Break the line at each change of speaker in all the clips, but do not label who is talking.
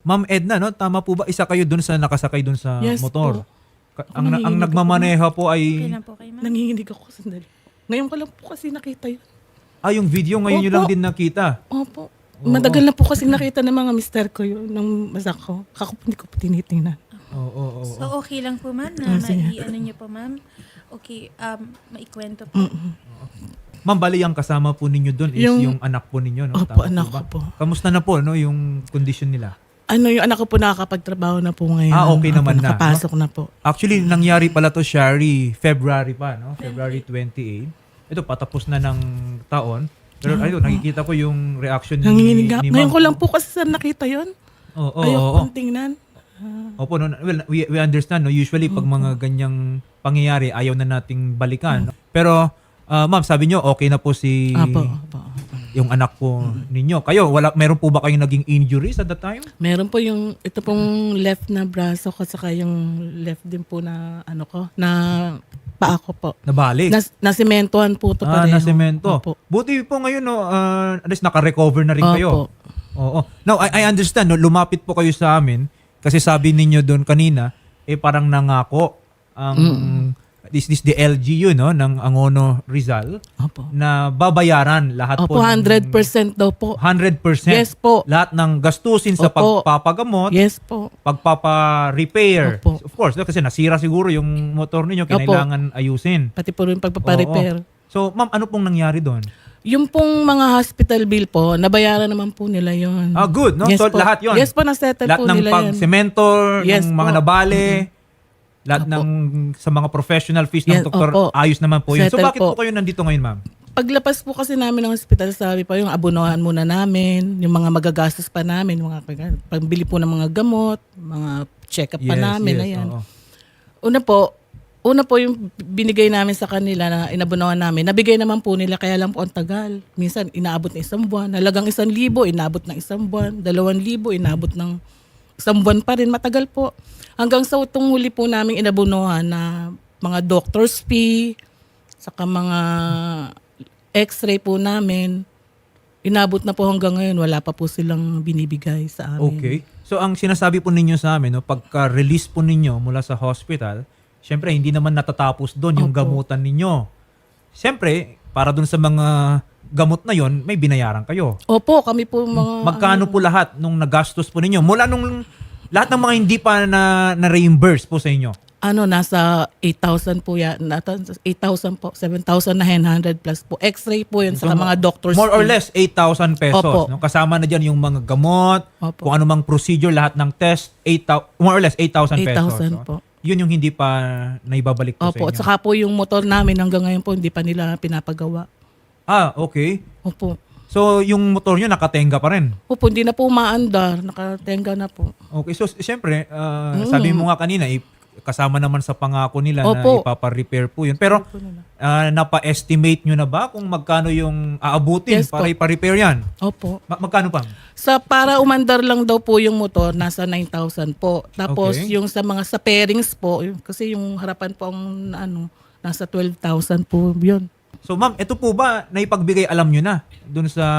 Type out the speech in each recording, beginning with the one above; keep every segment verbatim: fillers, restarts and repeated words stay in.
Ma'am Edna, no? Tama po ba? Isa kayo dun sa nakasakay dun sa
Yes
motor?
po.
Ka- ang, ang
Nanginginig ako.
nagmamaneha po
Okay
ay...
lang po kayo, ma'am.
Nanginginig ako sandali. Ngayon ko lang po kasi nakita yun.
Ah, yung video ngayon nyo
Opo.
lang din nakita.
Opo. Matagal na po kasi nakita ng mga mister ko yun, ng masak ko. Kako po, hindi ko po tinitingnan.
Oo, oo, oo.
So, okay lang po, ma'am, na
Ah, sige.
mai-ano niyo po, ma'am. Okay, um, maikwento po.
Mm-mm.
Ma'am, bali ang kasama po ninyo doon is yung,
Yung-
anak po ninyo, no?
Opo,
Tama
anak
ba?
ko po.
Kamusta na po, no? Yung condition nila?
Ano yung anak ko po nakakapagtrabaho na po ngayon.
Ah, okay
Opo,
naman na,
Nakapasok na po.
Actually, nangyari pala to, Shari, February pa, no? February twenty-eighth. Ito, patapos na ng taon. Pero ayun, nakikita ko yung reaction ni,
Nanginginig nga.
ni
Ngayon
ma'am.
ko lang po kasi sa nakita yun.
Oo, oo,
Ayoko
oo.
pong tingnan.
Opo, no, well, we, we understand, no? Usually, pag mga ganyang pangyayari, ayaw na nating balikan. No? Pero, ah, ma'am, sabi nyo, okay na po si
Apo, apo.
yung anak po ninyo. Kayo, wala, meron po ba kayong naging injuries at that time?
Meron po yung, ito pong left na braso ko, saka yung left din po na, ano ko, na paa ko po.
Nabalik?
Nas, nasimentohan po ito
ah,
pareho.
nasemento.
Opo.
Buti po ngayon, no, uh, at least naka-recover na rin kayo.
Opo.
Oo. Now, I, I understand, no, lumapit po kayo sa amin kasi sabi ninyo doon kanina, eh parang nangako ang this this the L G U, no, ng Angono Rizal
Opo.
na babayaran lahat po
Opo, one hundred percent daw po.
one hundred percent
Yes po.
lahat ng gastusin sa
Opo.
pagpapagamot,
Yes po.
pagpapa-repair.
Opo.
Of course, no, kasi nasira siguro yung motor ninyo, kailangan ayusin.
Pati po rin pagpaparepair.
Oo. So, ma'am, ano pong nangyari doon?
Yung pong mga hospital bill po, nabayaran naman po nila yon.
Ah, good, no?
Yes
So,
po.
lahat yon.
Yes po, nasettle
Lahat
po
ng
nila yan.
pag-semento,
Yes
ng mga
po.
nabale, lahat
Opo.
ng sa mga professional fees ng
Yes,
doktor,
opo.
ayos naman po yun. So,
Settle
bakit po
po.
kayo nandito ngayon, ma'am?
Paglabas po kasi namin ng hospital, sabi pa yung abunuhan muna namin, yung mga magagastos pa namin, mga pag- pambili po ng mga gamot, mga check-up pa namin. Ayan.
oo.
Una po, una po yung binigay namin sa kanila na inabunuhan namin, nabigay naman po nila, kaya lang po ang tagal. Minsan inaabot ng isang buwan, halagang isang libo, inaabot ng isang buwan, dalawang libo, inaabot ng isang buwan pa rin, matagal po. Hanggang sa utong huli po namin inabunuhan na mga doctor's fee, saka mga x-ray po namin, inabot na po hanggang ngayon, wala pa po silang binibigay sa amin.
Okay. So, ang sinasabi po ninyo sa amin, no, pagka-release po ninyo mula sa hospital, syempre, hindi naman natatapos doon yung
Opo.
gamutan ninyo. Syempre, para doon sa mga gamot na yon, may binayaran kayo.
Opo, kami po mga...
Magkano po lahat nung nagastos po ninyo? Mula nung lahat ng mga hindi pa na, na-reimburse po sa inyo.
Ano, nasa eight thousand po yan. Nata- eight thousand po. seven thousand nine hundred plus po. X-ray po yun sa
So,
mga doctors.
More or
fee.
less eight thousand pesos.
Opo.
No? Kasama na dyan yung mga gamot,
Opo.
kung ano mang procedure, lahat ng test, eight thousand, more or less eight thousand pesos.
eight thousand
no?
po.
Yun yung hindi pa naibabalik po
Opo,
sa
at
inyo.
saka po yung motor namin hanggang ngayon po hindi pa nila pinapagawa.
Ah, okay.
Opo.
So, yung motor nyo nakatenga pa rin.
Opo, hindi na po umaandar. Nakatenga na po.
Okay, so siyempre, uh,
Mm.
sabi mo nga kanina, eh, kasama naman sa pangako nila na
Opo.
ipapa-repair po yun. Pero, uh, napa-estimate nyo na ba kung magkano yung aabutin
Yes
para
po.
ipa-repair yan?
Opo.
Ma- magkano pa?
Sa para umandar lang daw po yung motor, nasa nine thousand po. Tapos
Okay.
yung sa mga sa pairings po, yung, kasi yung harapan po ang ano, nasa twelve thousand po yun.
So, ma'am, ito po ba naipagbigay alam nyo na dun sa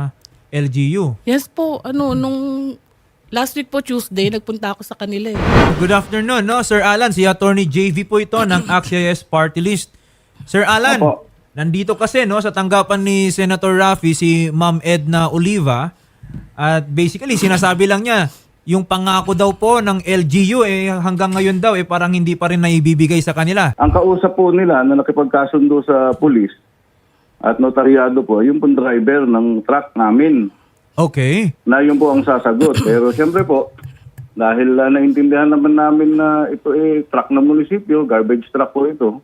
L G U?
Yes po, ano, nung last week po Tuesday, nagpunta ako sa kanila eh.
Good afternoon, no? Sir Alan, si Attorney J V po ito ng A C C I S Party List. Sir Alan,
Opo.
nandito kasi no sa tanggapan ni Senator Raffy si Ma'am Edna Oliva at basically sinasabi lang niya yung pangako daw po ng L G U eh hanggang ngayon daw eh parang hindi pa rin naibibigay sa kanila.
Ang kausap po nila na nakipagkasundo sa pulis at notaryado po, yung pong driver ng truck namin
Okay.
na yun po ang sasagot. Pero siyempre po, dahil uh, naintindihan naman namin na ito eh truck ng munisipyo, garbage truck po ito,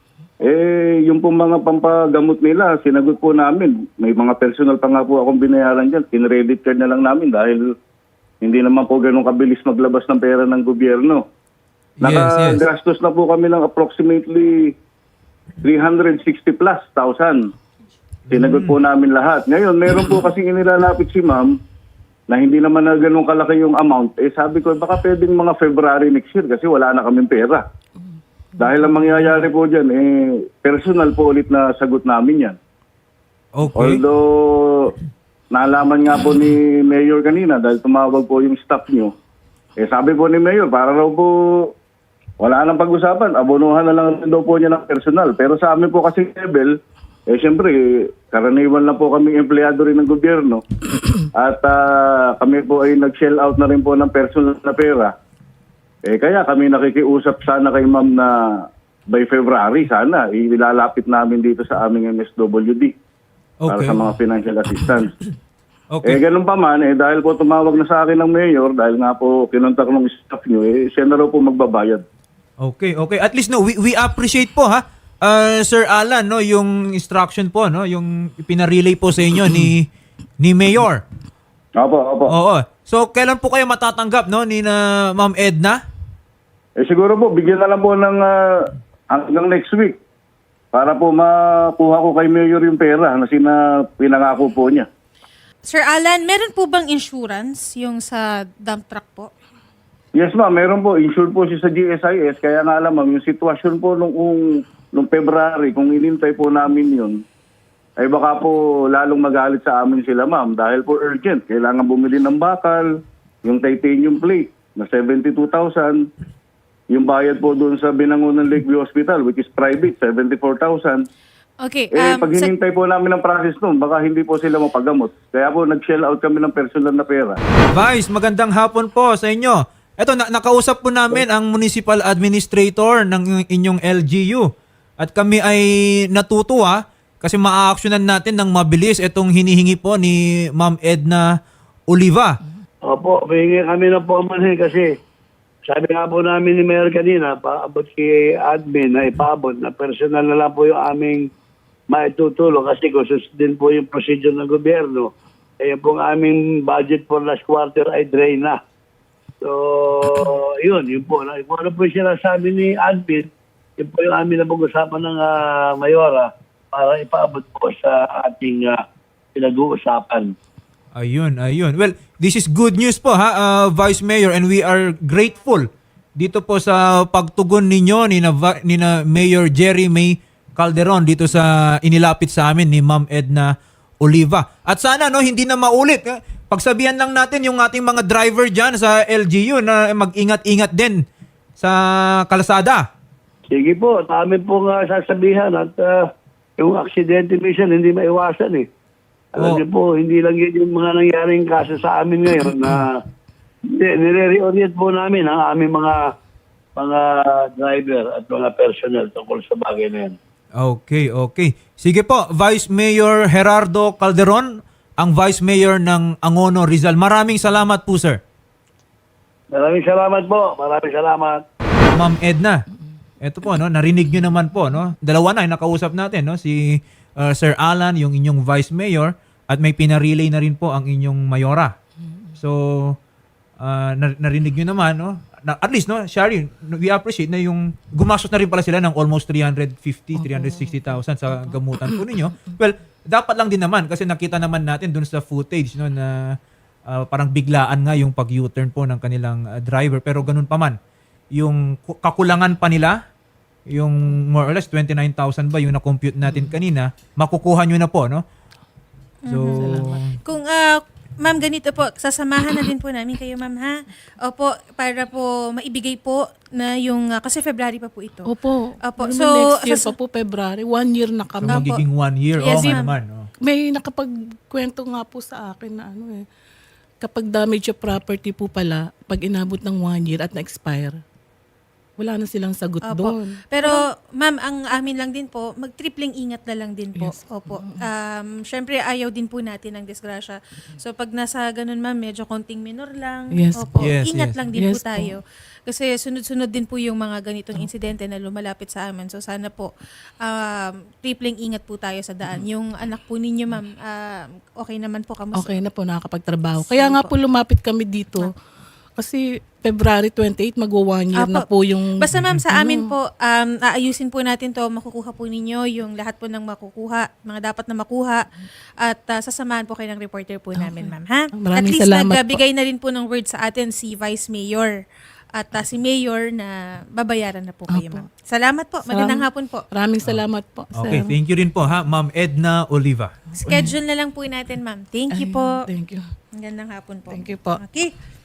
eh yung pong mga pampagamot nila, sinagot po namin. May mga personal pa nga po akong binayaran dyan. Kinredit card na lang namin dahil hindi naman po ganun kabilis maglabas ng pera ng gobyerno.
Yes, yes.
Nakagastos na po kami ng approximately three hundred sixty plus thousand. Sinagot po namin lahat. Ngayon, meron po kasing inilalapit si ma'am na hindi naman na ganun kalaki yung amount. Eh sabi ko, baka pwedeng mga February next year kasi wala na kaming pera. Dahil ang mangyayari po dyan, eh, personal po ulit na sagot namin yan.
Okay.
Although, nalaman nga po ni Mayor kanina dahil tumawag po yung staff nyo. Eh sabi po ni Mayor, para raw po wala nang pag-usapan, abonuhan na lang daw po niya ng personal. Pero sa amin po kasi level, eh siyempre, karaniwan lang po kami empleyado rin ng gobyerno. At ah, kami po ay nag-shell out na rin po ng personal na pera. Eh kaya kami nakikiusap sana kay ma'am na by February sana ilalapit namin dito sa aming M S W D para
Okay.
sa mga financial assistance.
Okay.
Eh ganun pa man, eh dahil po tumawag na sa akin ng mayor, dahil nga po kinontak ng staff nyo, eh siya na raw po magbabayad.
Okay, okay. At least no, we, we appreciate po ha. Uh, Sir Alan, no, yung instruction po, no, yung pinarelay po sa inyo ni ni Mayor.
Opo, opo.
Oo. So kailan po kayo matatanggap, no, ni na Ma'am Edna?
Eh siguro po, bigyan na lang po ng ah, hanggang next week para po makuha ko kay mayor yung pera na sina pinangako po niya.
Sir Alan, meron po bang insurance yung sa dump truck po?
Yes ma'am, meron po. Insured po siya sa G S I S. Kaya nga alam ma'am, yung sitwasyon po nung, nung February, kung inintay po namin yun, ay baka po lalong magalit sa amin sila ma'am. Dahil po urgent. Kailangan bumili ng bakal, yung titanium plate na seventy-two thousand. Yung bayad po doon sa Binangonan Lakeview Hospital, which is private, seventy-four thousand.
Okay.
Eh,
Um,
pag
sa-
hinintay po namin ang process noon, baka hindi po sila mapagamot. Kaya po nag-shell out kami ng personal na pera.
Vice, magandang hapon po sa inyo. Eto, na- nakausap po namin ang municipal administrator ng inyong L G U. At kami ay natutuwa kasi ma-actionan natin ng mabilis itong hinihingi po ni Ma'am Edna Oliva.
Opo, pahingi kami na po manhin kasi sabi nga po namin ni Mayor kanina, paabot kay admin na ipaabot na personal na lang po yung aming maitutulong kasi kung susundin po yung procedure ng gobyerno, eh yung pong aming budget for last quarter ay drain na. So, yun, yun po. Kung ano po yung sinasabi ni admin, yun po yung aming napag-usapan ng ah, Mayora para ipaabot po sa ating ah, pinag-uusapan.
Ayun, ayun. Well, this is good news po ha, uh, Vice Mayor, and we are grateful dito po sa pagtugon ninyo ni na, Va- ni na Mayor Jerry May Calderon dito sa inilapit sa amin ni Ma'am Edna Oliva. At sana no hindi na maulit. eh. Pagsabihan lang natin yung ating mga driver diyan sa L G U na mag-ingat-ingat din sa kalsada.
Sige po, at amin po nga sasabihan at ah, yung aksidente minsan hindi maiwasan eh. Alam
Oh.
niyo po, hindi lang yun yung mga nangyaring kaso sa amin ngayon na hindi, nire-reorient po namin ang aming mga mga driver at mga personnel tungkol sa bagay na yan.
Okay, okay. Sige po, Vice Mayor Gerardo Calderon, ang Vice Mayor ng Angono, Rizal. Maraming salamat po, sir.
Maraming salamat po. Maraming salamat.
Ma'am Edna, eto po, no, narinig nyo naman po, no? Dalawa na yung nakausap natin, no? Si uh, Sir Alan, yung inyong Vice Mayor, at may pinarelay na rin po ang inyong Mayora. So, uh, nar- narinig nyo naman, no? Na, at least, no, Shari, we appreciate na yung gumastos na rin pala sila ng almost three hundred fifty, three hundred sixty thousand sa gamutan po ninyo. Well, dapat lang din naman kasi nakita naman natin dun sa footage, no, na uh, parang biglaan nga yung pag-U-turn po ng kanilang uh, driver. Pero ganun pa man, yung ku- kakulangan pa nila, yung more or less twenty-nine thousand ba yung na-compute natin kanina, makukuha nyo na po, no? So,
Kung, ah, ma'am, ganito po, sasamahan na din po namin kayo, ma'am, ha? Opo, para po maibigay po na yung, ah, kasi February pa po ito.
Opo.
Opo,
Ano
so,
next year
sas-
pa po, February. One year na
so
kami.
magiging one year.
Yes,
Oo nga
ma'am.
naman. Oh.
May nakapagkwento nga po sa akin na ano eh, kapag damage yung property po pala, pag inabot ng one year at na-expire, wala na silang sagot
Opo.
doon.
Pero, ma'am, ang amin lang din po, mag-tripling ingat na lang din po.
Yes.
Opo. Um, Siyempre, ayaw din po natin ng disgrasya. So, pag nasa ganun, ma'am, medyo konting minor lang.
Yes
Opo.
po. Yes,
ingat
yes.
lang din
Yes
po tayo. Kasi sunod-sunod din po yung mga ganitong insidente na lumalapit sa amin. So, sana po, um, tripling ingat po tayo sa daan. Yung anak po ninyo, ma'am, um, okay naman po kamusta?
Okay na po, nakakapagtrabaho. Kaya nga po lumapit kami dito. Kasi February twenty-eight, magwa-one year
Apo.
na po yung...
Basta ma'am, sa amin
ano.
po, um, aayusin po natin to, makukuha po ninyo yung lahat po ng makukuha, mga dapat na makuha, at uh, sasamahan po kayo ng reporter po namin, ma'am, ha?
Maraming
At least
salamat po.
nagbigay na rin po ng word sa atin si Vice Mayor at ah, si Mayor na babayaran na po kayo,
Opo.
ma'am. Salamat po. Magandang
Salamat.
hapon po.
Maraming salamat po.
Okay,
sir.
thank you rin po ha, Ma'am Edna Oliva.
Schedule na lang po natin, ma'am. Thank you
Ayun,
po.
Thank you.
Magandang hapon po.
Thank you po.
Okay.